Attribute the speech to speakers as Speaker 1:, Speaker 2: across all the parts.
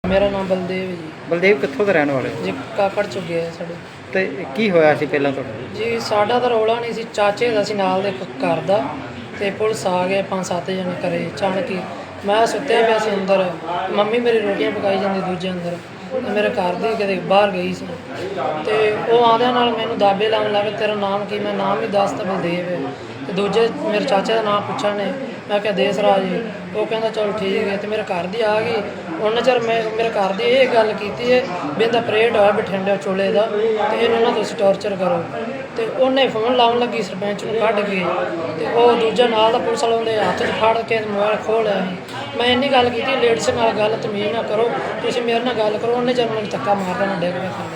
Speaker 1: ਮੇਰਾ ਨਾਮ ਬਲਦੇਵ ਹੈ ਜੀ।
Speaker 2: ਬਲਦੇਵ ਕਿੱਥੋਂ ਦੇ ਰਹਿਣ ਵਾਲੇ ਹੋ?
Speaker 1: ਜੀ ਕਾਕੜ ਚੁੱਕੇ ਆ ਸਾਡੇ।
Speaker 2: ਤੇ ਕੀ ਹੋਇਆ ਸੀ ਪਹਿਲਾਂ ਤੁਹਾਡਾ?
Speaker 1: ਜੀ ਸਾਡਾ ਤਾਂ ਰੌਲਾ ਨਹੀਂ ਸੀ, ਚਾਚੇ ਦਾ ਸੀ ਨਾਲ ਦੇ ਘਰ ਦਾ, ਤੇ ਪੁਲਿਸ ਆ ਗਏ 5-7 ਜਣੇ ਘਰੇ ਅਚਾਨਕ ਹੀ। ਮੈਂ ਸੁੱਤਿਆ ਪਿਆ ਸੀ ਅੰਦਰ, ਮੰਮੀ ਮੇਰੀ ਰੋਟੀਆਂ ਪਕਾਈ ਜਾਂਦੀ ਦੂਜੇ ਅੰਦਰ, ਤੇ ਮੇਰੇ ਘਰ ਦੀ ਕਿਤੇ ਬਾਹਰ ਗਈ ਸੀ, ਤੇ ਉਹ ਆਉਂਦਿਆਂ ਨਾਲ ਮੈਨੂੰ ਦਾਬੇ ਲਾਉਣ ਲੱਗ ਪਏ, ਤੇਰਾ ਨਾਮ ਕੀ? ਮੈਂ ਨਾਮ ਹੀ ਦੱਸਤਾ ਬਲਦੇਵ ਹੈ। ਤੇ ਦੂਜੇ ਮੇਰੇ ਚਾਚੇ ਦਾ ਨਾਮ ਪੁੱਛਣ ਨੇ, ਮੈਂ ਕਿਹਾ ਦੇਸ ਰਾਜ। ਉਹ ਕਹਿੰਦਾ ਚਲ ਠੀਕ ਹੈ, ਤੇ ਮੇਰੇ ਘਰ ਦੀ ਆ ਗਈ। ਉਹਨਾਂ ਚਿਰ ਮੈਂ ਮੇਰੇ ਘਰ ਦੀ ਇਹ ਗੱਲ ਕੀਤੀ ਹੈ ਵੀ ਇਹਦਾ ਪਰੇਡ ਹੋਇਆ ਬਠਿੰਡੇ ਚੋਲੇ ਦਾ, ਤੇ ਇਹਨੂੰ ਨਾ ਤੁਸੀਂ ਟੌਰਚਰ ਕਰੋ। ਤੇ ਉਹਨੇ ਫੋਨ ਲਾਉਣ ਲੱਗੀ ਸਰਪੰਚ ਨੂੰ ਕੱਢ ਕੇ, ਤੇ ਉਹ ਦੂਜਾ ਨਾਲ ਦਾ ਪੁਲਿਸ ਵਾਲਾ ਉਹਦੇ ਹੱਥ 'ਚ ਫੜ ਕੇ ਮੋਬਾਈਲ ਖੋਹ ਲਿਆ ਸੀ। ਮੈਂ ਇੰਨੀ ਗੱਲ ਕੀਤੀ, ਲੇਡੀਜ਼ ਨਾਲ ਗੱਲ ਤਮੀਜ਼ ਨਾ ਕਰੋ, ਤੁਸੀਂ ਮੇਰੇ ਨਾਲ ਗੱਲ ਕਰੋ। ਉਹਨੇ ਜਦ ਮੈਨੂੰ ਧੱਕਾ ਮਾਰਦਾ ਨਾ ਡਿੱਗ ਪਿਆ ਥੱਲੇ।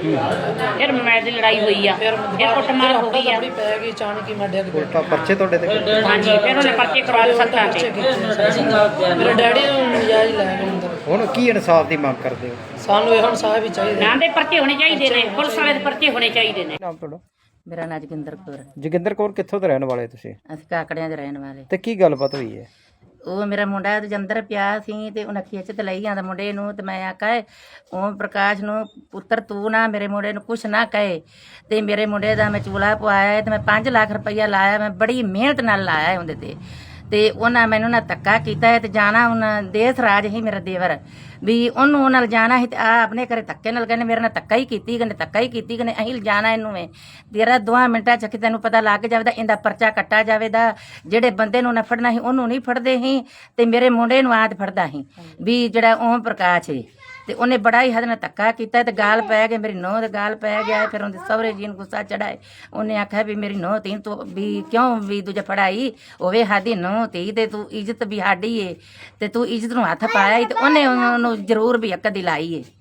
Speaker 3: ਫਿਰ ਮੈਚ ਦੀ ਲੜਾਈ ਹੋਈ ਆ, ਫਿਰ ਕੁੱਟਮਾਰ ਹੋ ਗਈ ਆ,
Speaker 1: ਪੈ ਗਈ ਅਚਾਨਕ ਹੀ ਮੈਂ ਡਿੱਗ ਪਿਆ।
Speaker 2: ਪਰਚੇ ਤੁਹਾਡੇ ਤੇ?
Speaker 3: ਹਾਂਜੀ, ਫਿਰ ਉਹਨੇ ਪਰਚੇ ਕਰਵਾ ਲਏ ਸੱਤਾਂ ਤੇ।
Speaker 1: ਮੇਰੇ ਡੈਡੀ ਨੂੰ ਨਜਾਇਜ਼ ਲੈ ਗਏ ਅੰਦਰ।
Speaker 2: ਹੁਣ ਕੀ ਇਨਸਾਫ ਦੀ ਮੰਗ ਕਰਦੇ ਹੋ?
Speaker 1: ਸਾਨੂੰ ਇਹ ਇਨਸਾਫ ਹੀ ਚਾਹੀਦਾ।
Speaker 3: ਨਾਂ ਦੇ ਪਰਚੇ ਹੋਣੇ ਚਾਹੀਦੇ ਨੇ, ਪੁਲਿਸ ਵਾਲੇ ਦੇ ਪਰਚੇ ਹੋਣੇ ਚਾਹੀਦੇ ਨੇ।
Speaker 2: ਨਾਮ ਤੁਹਾਡਾ?
Speaker 4: ਮੇਰਾ ਨਾਂ ਜੋਗਿੰਦਰ ਕੌਰ।
Speaker 2: ਜੋਗਿੰਦਰ ਕੌਰ ਕਿੱਥੋਂ ਦੇ ਰਹਿਣ ਵਾਲੇ ਤੁਸੀਂ?
Speaker 4: ਅਸੀਂ ਕਾਕੜਿਆਂ ਦੇ ਰਹਿਣ ਵਾਲੇ।
Speaker 2: ਤੇ ਕੀ ਗੱਲਬਾਤ ਹੋਈ ਹੈ?
Speaker 4: ਉਹ ਮੇਰਾ ਮੁੰਡਾ ਤੇ ਅੰਦਰ ਪਿਆ ਸੀ, ਤੇ ਉਹਨਾਂ ਖਿੱਚ ਤੇ ਲਈ ਜਾਂਦਾ ਮੁੰਡੇ ਨੂੰ, ਤੇ ਮੈਂ ਆਖਿਆ ਓਮ ਪ੍ਰਕਾਸ਼ ਨੂੰ, ਪੁੱਤਰ ਤੂੰ ਨਾ ਮੇਰੇ ਮੁੰਡੇ ਨੂੰ ਕੁਛ ਨਾ ਕਹੇ। ਤੇ ਮੇਰੇ ਮੁੰਡੇ ਦਾ ਮੈਂ ਚੂਲਾ ਪਵਾਇਆ, ਤੇ ਮੈਂ 5 ਲੱਖ ਰੁਪਈਆ ਲਾਇਆ, ਮੈਂ ਬੜੀ ਮਿਹਨਤ ਨਾਲ ਲਾਇਆ ਉਹਦੇ ਤੇ ਉਹਨਾਂ ਮੈਨੂੰ ਨਾ ਧੱਕਾ ਕੀਤਾ ਹੈ। ਤੇ ਜਾਣਾ ਉਹਨਾਂ ਦੇਸ ਰਾਜ ਹੀ ਮੇਰਾ ਦੇਵਰ ਵੀ ਉਹਨੂੰ ਨਾਲ ਜਾਣਾ ਸੀ, ਤੇ ਆ ਆਪਣੇ ਘਰੇ ਧੱਕੇ ਨਾਲ ਕਹਿੰਦੇ ਮੇਰੇ ਨਾਲ ਧੱਕਾ ਹੀ ਕੀਤੀ, ਕਹਿੰਦੇ ਧੱਕਾ ਹੀ ਕੀਤੀ, ਕਹਿੰਦੇ ਅਸੀਂ ਜਾਣਾ ਇਹਨੂੰ ਵੇ ਤੇਰਾ 2 ਮਿੰਟਾਂ ਚ ਤੈਨੂੰ ਪਤਾ ਲੱਗ ਜਾਵੇਦਾ, ਇਹਦਾ ਪਰਚਾ ਕੱਟਾ ਜਾਵੇਦਾ। ਜਿਹੜੇ ਬੰਦੇ ਨੂੰ ਨਾ ਫੜਨਾ ਸੀ ਉਹਨੂੰ ਨਹੀਂ ਫੜਦੇ ਸੀ, ਤੇ ਮੇਰੇ ਮੁੰਡੇ ਨੂੰ ਆਦ ਫੜਦਾ ਸੀ ਵੀ ਜਿਹੜਾ ਓਮ ਪ੍ਰਕਾਸ਼ ਹੈ। ਤੇ ਉਹਨੇ ਬੜਾ ਹੀ ਹੱਦ ਨਾਲ ਧੱਕਾ ਕੀਤਾ, ਤੇ ਗਾਲ ਪੈ ਗਏ, ਮੇਰੀ ਨੂੰਹ ਦੇ ਗਾਲ ਪੈ ਗਿਆ। ਫਿਰ ਉਹਦੇ ਸਹੁਰੇ ਜੀ ਨੂੰ ਗੁੱਸਾ ਚੜਾਏ, ਉਹਨੇ ਆਖਿਆ ਵੀ ਮੇਰੀ ਨੂੰਹ ਤੀ ਤੂੰ ਵੀ ਕਿਉਂ ਵੀ ਦੂਜਾ ਫੜਾਈ ਹੋਵੇ, ਸਾਡੀ ਨੂੰਹ ਤੀ ਤੇ ਤੂੰ ਇੱਜ਼ਤ ਵੀ ਸਾਡੀ ਏ, ਤੇ ਤੂੰ ਇੱਜ਼ਤ ਨੂੰ ਹੱਥ ਪਾਇਆ। ਤੇ ਉਹਨੇ ਉਹਨੂੰ ਜ਼ਰੂਰ ਵੀ ਇੱਕ ਦੀ ਲਾਈ ਏ,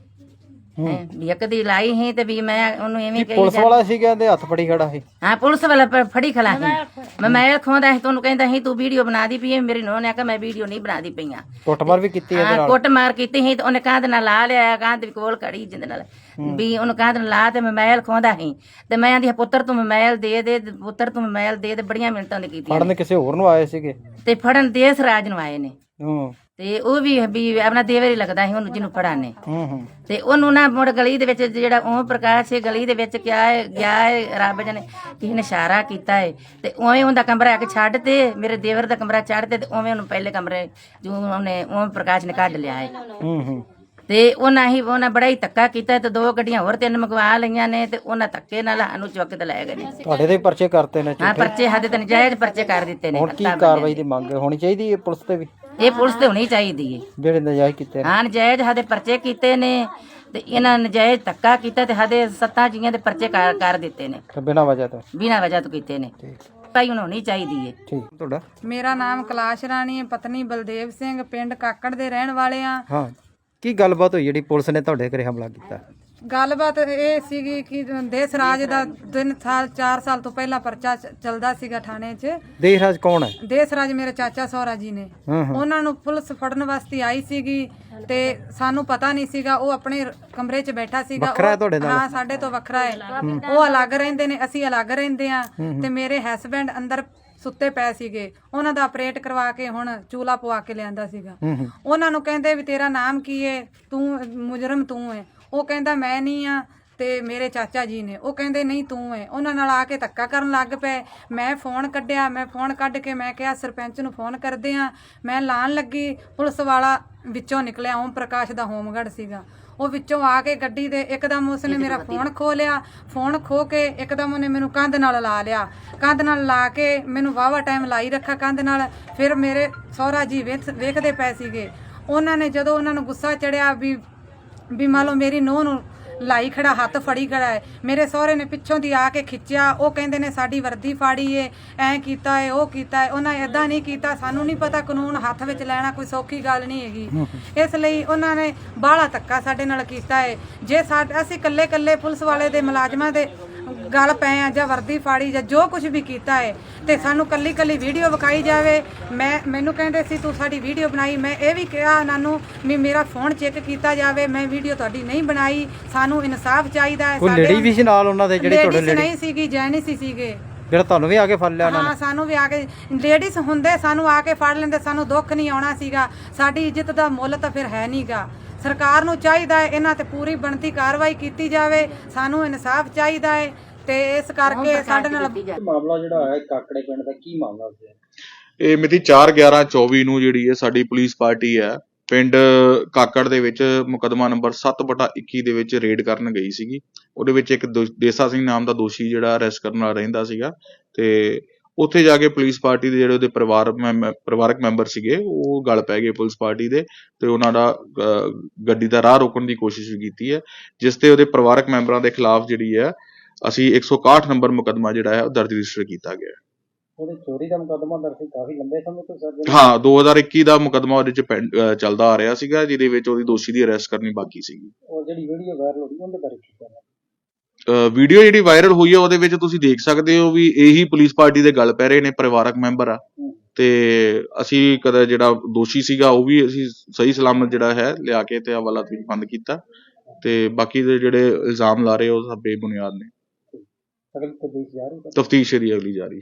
Speaker 4: ਵੀ ਇੱਕ ਦੀ ਲਾਈ ਸੀ। ਤੇ ਵੀ ਮੈਂ ਉਹਨੂੰ ਐਵੇਂ ਕਹੀ
Speaker 2: ਪੁਲਿਸ ਵਾਲਾ ਸੀ ਕਹਿੰਦੇ ਹੱਥ ਫੜੀ ਖੜਾ ਸੀ?
Speaker 4: ਹਾਂ, ਪੁਲਿਸ ਵਾਲਾ ਫੜੀ ਖਲਾ ਸੀ। ਮੈਂ ਖਵਾਉਂਦਾ ਸੀ, ਤੁਹਾਨੂੰ ਕਹਿੰਦਾ ਸੀ ਤੂੰ ਵੀਡੀਓ ਬਣਾ ਦੀ ਪਈ। ਮੇਰੀ ਨੂੰਹ ਨੇ ਆਖਿਆ ਮੈਂ ਵੀਡੀਓ ਨਹੀਂ ਬਣਾਦੀ ਪਈਆਂ।
Speaker 2: ਕੁੱਟਮਾਰ ਵੀ ਕੀਤੀ ਇਹਦੇ ਨਾਲ?
Speaker 4: ਕੁੱਟਮਾਰ ਕੀਤੀ ਸੀ, ਤੇ ਉਹਨੇ ਕੰਧ ਨਾਲ ਲਾ ਲਿਆ, ਕੰਧ ਵੀ ਕੋਲ ਖੜੀ ਜਿੰਦੇ ਨਾਲ ਵੀ ਉਹਨੂੰ ਕੰਧ ਨਾਲ ਲਾ, ਤੇ ਮੋਬਾਈਲ ਖਵਾਉਂਦਾ ਸੀ। ਤੇ ਮੈਂ ਆਂਦੀ ਪੁੱਤਰ ਤੂੰ ਮੋਬਾਈਲ ਦੇ ਦੇ, ਪੁੱਤਰ ਤੂੰ ਮੋਬਾਈਲ ਦੇ ਦੇ। ਬੜੀਆਂ ਮਿੰਟਾਂ ਨੇ ਕੀਤੀਆਂ।
Speaker 2: ਫੜਨ ਕਿਸੇ ਹੋਰ ਨੂੰ ਆਏ ਸੀਗੇ?
Speaker 4: ਤੇ ਫੜਨ ਦੇਸ ਰਾਜ ਨੂੰ ਆਏ ਨੇ। ਤੇ ਉਹ ਵੀ ਆਪਣਾ ਦੇਵਰ ਹੀ ਲੱਗਦਾ ਸੀ ਉਹਨੂੰ ਜਿਹਨੂੰ ਫੜਾਣੇ। ਤੇ ਉਹਨੂੰ ਨਾ ਮੁੜ ਗਲੀ ਦੇ ਵਿੱਚ ਜਿਹੜਾ ਓਮ ਪ੍ਰਕਾਸ਼ ਹੈ, ਗਲੀ ਦੇ ਵਿੱਚ ਗਿਆ ਹੈ, ਰੱਬ ਜਨੇ ਕਿਸੇ ਨੇ ਇਸ਼ਾਰਾ ਕੀਤਾ ਹੈ, ਤੇ ਉਵੇਂ ਉਹਦਾ ਕਮਰਾ ਆ ਕੇ ਛੱਡ ਤੇ ਮੇਰੇ ਦੇਵਰ ਦਾ ਕਮਰਾ ਚੜ੍ਹ ਤੇ ਉਵੇਂ ਉਹਨੂੰ ਪਹਿਲੇ ਕਮਰੇ ਜੋ ਉਹਨੇ ਓਮ ਪ੍ਰਕਾਸ਼ ਨੇ ਕੱਢ ਲਿਆ ਹੈ। ਤੇ ਉਹਨਾਂ ਬੜਾ ਹੀ ਧੱਕਾ ਕੀਤਾ, ਤੇ 2 ਗੱਡੀਆਂ ਹੋਰ 3 ਮੰਗਵਾ ਲਈਆਂ ਨੇ, ਤੇ ਉਹਨਾਂ ਧੱਕੇ ਨਾਲ ਸਾਨੂੰ ਚੁੱਕ ਤੇ ਲੈ ਗਏ ਨੇ।
Speaker 2: ਤੁਹਾਡੇ ਤੇ ਪਰਚੇ ਕਰਤੇ ਨੇ?
Speaker 4: ਹਾਂ, ਪਰਚੇ ਸਾਡੇ ਤੇ ਨਜਾਇਜ਼ ਪਰਚੇ ਕਰ ਦਿੱਤੇ ਨੇ।
Speaker 2: ਹੁਣ ਕੀ ਕਾਰਵਾਈ ਦੀ ਮੰਗ ਹੋਣੀ ਚਾਹੀਦੀ ਹੈ ਪੁਲਿਸ ਤੇ ਵੀ?
Speaker 4: ਇਹ ਪੁਲਿਸ ਤੇ ਹੋਣੀ ਚਾਹੀਦੀ ਹੈ।
Speaker 2: ਜਿਹੜੇ ਨਜਾਇਜ਼ ਕੀਤੇ ਨੇ?
Speaker 4: ਹਾਂ, ਨਜਾਇਜ਼ ਸਾਡੇ ਪਰਚੇ ਕੀਤੇ ਨੇ, ਤੇ ਇਹਨਾਂ ਨਜਾਇਜ਼ ਧੱਕਾ ਕੀਤਾ, ਤੇ ਸਾਡੇ 7 ਜੀਆਂ ਦੇ ਪਰਚੇ ਕਰ ਦਿੱਤੇ ਨੇ,
Speaker 2: ਬਿਨਾਂ ਵਜ੍ਹਾ ਤੋਂ?
Speaker 4: ਬਿਨਾਂ ਵਜ੍ਹਾ ਤੋਂ ਕੀਤੇ ਨੇ। ਭਾਈ ਹੁਣ ਹੋਣੀ ਚਾਹੀਦੀ ਹੈ।
Speaker 2: ਠੀਕ। ਤੁਹਾਡਾ?
Speaker 5: ਮੇਰਾ ਨਾਮ ਕੈਲਾਸ਼ ਰਾਣੀ ਹੈ, ਪਤਨੀ ਬਲਦੇਵ ਸਿੰਘ, ਪਿੰਡ ਕਾਕੜ ਦੇ ਰਹਿਣ ਵਾਲੇ ਆ।
Speaker 2: ਹਾਂ, ਕੀ ਗੱਲਬਾਤ ਹੋਈ ਜਿਹੜੀ ਪੁਲਿਸ ਨੇ ਤੁਹਾਡੇ ਘਰੇ ਹਮਲਾ ਕੀਤਾ?
Speaker 5: ਗੱਲਬਾਤ ਇਹ ਸੀਗੀ ਕਿ ਦੇਸ ਰਾਜ ਦਾ 4 ਸਾਲ ਤੋਂ ਪਹਿਲਾਂ ਪਰਚਾ ਚੱਲਦਾ ਸੀਗਾ ਥਾਣੇ 'ਚ।
Speaker 2: ਦੇਸ ਰਾਜ ਕੌਣ ਹੈ?
Speaker 5: ਦੇਸ ਰਾਜ ਮੇਰੇ ਚਾਚਾ ਸਹੁਰਾ ਜੀ ਨੇ। ਉਹਨਾਂ ਨੂੰ ਪੁਲਿਸ ਫੜਨ ਵਾਸਤੇ ਆਈ ਸੀਗੀ, ਤੇ ਸਾਨੂੰ ਪਤਾ ਨਹੀਂ ਸੀਗਾ। ਉਹ ਆਪਣੇ ਕਮਰੇ 'ਚ ਬੈਠਾ ਸੀਗਾ। ਹਾਂ, ਸਾਡੇ ਤੋਂ ਵੱਖਰਾ ਹੈ। ਉਹ ਅਲੱਗ ਰਹਿੰਦੇ ਨੇ, ਅਸੀਂ ਅਲੱਗ ਰਹਿੰਦੇ ਆ। ਤੇ ਮੇਰੇ ਹਸਬੈਂਡ ਅੰਦਰ ਸੁੱਤੇ ਪਏ ਸੀਗੇ, ਉਹਨਾਂ ਦਾ ਆਪਰੇਟ ਕਰਵਾ ਕੇ ਹੁਣ ਚੂਲਾ ਪਵਾ ਕੇ ਲਿਆਂਦਾ ਸੀਗਾ। ਉਹਨਾਂ ਨੂੰ ਕਹਿੰਦੇ ਵੀ ਤੇਰਾ ਨਾਮ ਕੀ ਹੈ, ਤੂੰ ਮੁਜਰਮ ਤੂੰ ਹੈ। ਉਹ ਕਹਿੰਦਾ ਮੈਂ ਨਹੀਂ ਆ, ਤੇ ਮੇਰੇ ਚਾਚਾ ਜੀ ਨੇ ਉਹ ਕਹਿੰਦੇ ਨਹੀਂ ਤੂੰ ਹੈ। ਉਹਨਾਂ ਨਾਲ ਆ ਕੇ ਧੱਕਾ ਕਰਨ ਲੱਗ ਪਏ। ਮੈਂ ਫੋਨ ਕੱਢਿਆ, ਮੈਂ ਫੋਨ ਕੱਢ ਕੇ ਮੈਂ ਕਿਹਾ ਸਰਪੰਚ ਨੂੰ ਫੋਨ ਕਰਦੇ ਆ। ਮੈਂ ਲਾਣ ਲੱਗੀ, ਪੁਲਿਸ ਵਾਲਾ ਵਿੱਚੋਂ ਨਿਕਲਿਆ, ਓਮ ਪ੍ਰਕਾਸ਼ ਦਾ ਹੋਮਗਾਰਡ ਸੀਗਾ। ਉਹ ਵਿੱਚੋਂ ਆ ਕੇ ਗੱਡੀ ਦੇ ਇੱਕਦਮ ਉਸਨੇ ਮੇਰਾ ਫੋਨ ਖੋਹ ਲਿਆ। ਫੋਨ ਖੋ ਕੇ ਇੱਕਦਮ ਉਹਨੇ ਮੈਨੂੰ ਕੰਧ ਨਾਲ ਲਾ ਲਿਆ। ਕੰਧ ਨਾਲ ਲਾ ਕੇ ਮੈਨੂੰ ਵਾਹਵਾ ਟਾਈਮ ਲਾਈ ਰੱਖਾ ਕੰਧ ਨਾਲ। ਫਿਰ ਮੇਰੇ ਸਹੁਰਾ ਜੀ ਵੇਖਦੇ ਪਏ ਸੀਗੇ। ਉਹਨਾਂ ਨੇ ਜਦੋਂ ਉਹਨਾਂ ਨੂੰ ਗੁੱਸਾ ਚੜਿਆ ਵੀ ਮੰਨ ਲਓ ਮੇਰੀ ਨੂੰਹ ਨੂੰ ਲਾਈ ਖੜਾ, ਹੱਥ ਫੜੀ ਖੜਾ ਹੈ, ਮੇਰੇ ਸਹੁਰੇ ਨੇ ਪਿੱਛੋਂ ਦੀ ਆ ਕੇ ਖਿੱਚਿਆ। ਉਹ ਕਹਿੰਦੇ ਨੇ ਸਾਡੀ ਵਰਦੀ ਫਾੜੀ ਏ, ਐਂ ਕੀਤਾ ਏ, ਉਹ ਕੀਤਾ ਏ। ਉਹਨਾਂ ਏਦਾਂ ਨਹੀਂ ਕੀਤਾ। ਸਾਨੂੰ ਨਹੀਂ ਪਤਾ ਕਾਨੂੰਨ ਹੱਥ ਵਿੱਚ ਲੈਣਾ ਕੋਈ ਸੌਖੀ ਗੱਲ ਨਹੀਂ ਹੈਗੀ। ਇਸ ਲਈ ਉਹਨਾਂ ਨੇ ਬਾਹਲਾ ਧੱਕਾ ਸਾਡੇ ਨਾਲ ਕੀਤਾ ਏ। ਜੇ ਅਸੀਂ ਇਕੱਲੇ ਪੁਲਿਸ ਵਾਲੇ ਦੇ ਮੁਲਾਜ਼ਮਾਂ ਦੇ ਗੱਲ ਪਏ ਆ, ਜਾਂ ਵਰਦੀ ਫਾੜੀ, ਜਾਂ ਜੋ ਕੁਝ ਵੀ ਕੀਤਾ ਹੈ, ਤੇ ਸਾਨੂੰ ਕੱਲੀ ਵੀਡੀਓ ਵਿਖਾਈ ਜਾਵੇ। ਮੈਨੂੰ ਕਹਿੰਦੇ ਸੀ ਤੂੰ ਸਾਡੀ ਵੀਡੀਓ ਬਣਾਈ। ਮੈਂ ਇਹ ਵੀ ਕਿਹਾ ਉਹਨਾਂ ਨੂੰ ਵੀ ਮੇਰਾ ਫੋਨ ਚੈੱਕ ਕੀਤਾ ਜਾਵੇ, ਮੈਂ ਵੀਡੀਓ ਤੁਹਾਡੀ ਨਹੀਂ ਬਣਾਈ। ਸਾਨੂੰ ਇਨਸਾਫ ਚਾਹੀਦਾ ਹੈ।
Speaker 2: ਕੋਈ ਲੇਡੀ ਵੀ ਸੀ ਨਾਲ ਉਹਨਾਂ ਦੇ? ਜਿਹੜੀ ਤੁਹਾਡੇ
Speaker 5: ਨਹੀਂ ਸੀਗੀ, ਜੈਨਿਸ ਹੀ ਸੀਗੇ।
Speaker 2: ਜਿਹੜਾ ਤੁਹਾਨੂੰ ਵੀ ਆ ਕੇ ਫੜ ਲਿਆ ਉਹਨਾਂ ਨੇ?
Speaker 5: ਹਾਂ, ਸਾਨੂੰ ਵੀ ਆ ਕੇ ਲੇਡੀਜ਼ ਹੁੰਦੇ ਸਾਨੂੰ ਆ ਕੇ ਫੜ ਲੈਂਦੇ, ਸਾਨੂੰ ਦੁੱਖ ਨਹੀਂ ਆਉਣਾ ਸੀਗਾ। ਸਾਡੀ ਇੱਜ਼ਤ ਦਾ ਮੁੱਲ ਤਾਂ ਫਿਰ ਹੈ ਨਹੀਂਗਾ। ਸਰਕਾਰ ਨੂੰ ਚਾਹੀਦਾ ਹੈ ਇਹਨਾਂ ਤੇ ਪੂਰੀ ਬਣਤੀ ਕਾਰਵਾਈ ਕੀਤੀ ਜਾਵੇ। ਸਾਨੂੰ ਇਨਸਾਫ ਚਾਹੀਦਾ ਹੈ ਤੇ ਇਸ ਕਰਕੇ ਸਾਡੇ ਨਾਲ
Speaker 2: ਮਾਮਲਾ ਜਿਹੜਾ ਹੈ ਕਾਕੜੇ ਪਿੰਡ ਦਾ ਕੀ ਮਾਮਲਾ ਸੀ?
Speaker 6: ਇਹ ਮਿਤੀ 4/11/24 ਨੂੰ ਜਿਹੜੀ ਹੈ ਸਾਡੀ ਪੁਲਿਸ ਪਾਰਟੀ ਹੈ ਪਿੰਡ ਕਾਕੜ ਦੇ ਵਿੱਚ ਮੁਕੱਦਮਾ ਨੰਬਰ 7/21 ਦੇ ਵਿੱਚ ਰੇਡ ਕਰਨ ਗਈ ਸੀਗੀ। ਉਹਦੇ ਵਿੱਚ ਇੱਕ ਦੇਸਾ ਸਿੰਘ ਨਾਮ ਦਾ ਦੋਸ਼ੀ ਜਿਹੜਾ ਅਰੈਸਟ ਕਰਨ ਵਾਲਾ ਰਹਿੰਦਾ ਸੀਗਾ ਤੇ ਉੱਥੇ ਜਾ ਕੇ ਪੁਲਿਸ ਪਾਰਟੀ ਦੇ ਜਿਹੜੇ ਉਹਦੇ ਪਰਿਵਾਰਕ ਮੈਂਬਰ ਸੀਗੇ ਉਹ ਗਲ ਪੈ ਗਏ ਪੁਲਿਸ ਪਾਰਟੀ ਦੇ ਤੇ ਉਹਨਾਂ ਦਾ ਗੱਡੀ ਦਾ ਰਾਹ ਰੋਕਣ ਦੀ ਕੋਸ਼ਿਸ਼ ਵੀ ਕੀਤੀ ਹੈ, ਜਿਸ ਤੇ ਉਹਦੇ ਪਰਿਵਾਰਕ ਮੈਂਬਰਾਂ ਦੇ ਖਿਲਾਫ ਜਿਹੜੀ ਹੈ ਅਸੀਂ 161 ਨੰਬਰ ਮੁਕੱਦਮਾ ਜਿਹੜਾ ਹੈ ਉਹ ਦਰਜ ਰਜਿਸਟਰ ਕੀਤਾ ਗਿਆ।
Speaker 2: ਉਹਦੇ ਚੋਰੀ ਦਾ ਮੁਕੱਦਮਾ ਦਰਜ ਸੀ ਕਾਫੀ ਲੰਬੇ ਸਮੇਂ ਤੋਂ ਸਰ।
Speaker 6: ਹਾਂ 2021 ਦਾ ਮੁਕੱਦਮਾ ਉਹਦੇ ਚ ਚੱਲਦਾ ਆ ਰਿਹਾ ਸੀਗਾ, ਜਿਹਦੇ ਵਿੱਚ ਉਹਦੀ ਦੋਸ਼ੀ ਦੀ ਅਰੈਸਟ ਕਰਨੀ ਬਾਕੀ ਸੀਗੀ।
Speaker 2: ਉਹ ਜਿਹੜੀ ਵੀਡੀਓ ਵਾਇਰਲ ਹੋ ਰਹੀ ਉਹਦੇ ਬਾਰੇ ਕੀ ਕਹਿਣਾ?
Speaker 6: ਵੀਡੀਓ ਜਿਹੜੀ ਵਾਇਰਲ ਹੋਈ ਹੈ ਉਹਦੇ ਵਿੱਚ ਤੁਸੀਂ ਦੇਖ ਸਕਦੇ ਹੋ ਵੀ ਇਹੀ ਪੁਲਿਸ ਪਾਰਟੀ ਦੇ ਗੱਲ ਪੈ ਰਹੇ ਨੇ, ਪਰਿਵਾਰਕ ਮੈਂਬਰ ਆ ਤੇ ਅਸੀਂ ਕਦੇ ਜਿਹੜਾ ਦੋਸ਼ੀ ਸੀਗਾ ਉਹ ਵੀ ਅਸੀਂ ਸਹੀ ਸਲਾਮਤ ਜਿਹੜਾ ਹੈ ਲਿਆ ਕੇ ਤੇ ਹਵਾਲਾ ਵਿੱਚ ਬੰਦ ਕੀਤਾ ਤੇ ਬਾਕੀ ਦੇ ਜਿਹੜੇ ਇਲਜ਼ਾਮ ਲਾ ਰਹੇ ਉਹ ਸਭ ਬੇਬੁਨਿਆਦ ਨੇ। ਤਫਤੀਸ਼ ਜਿਹੜੀ ਅਗਲੀ ਜਾਰੀ।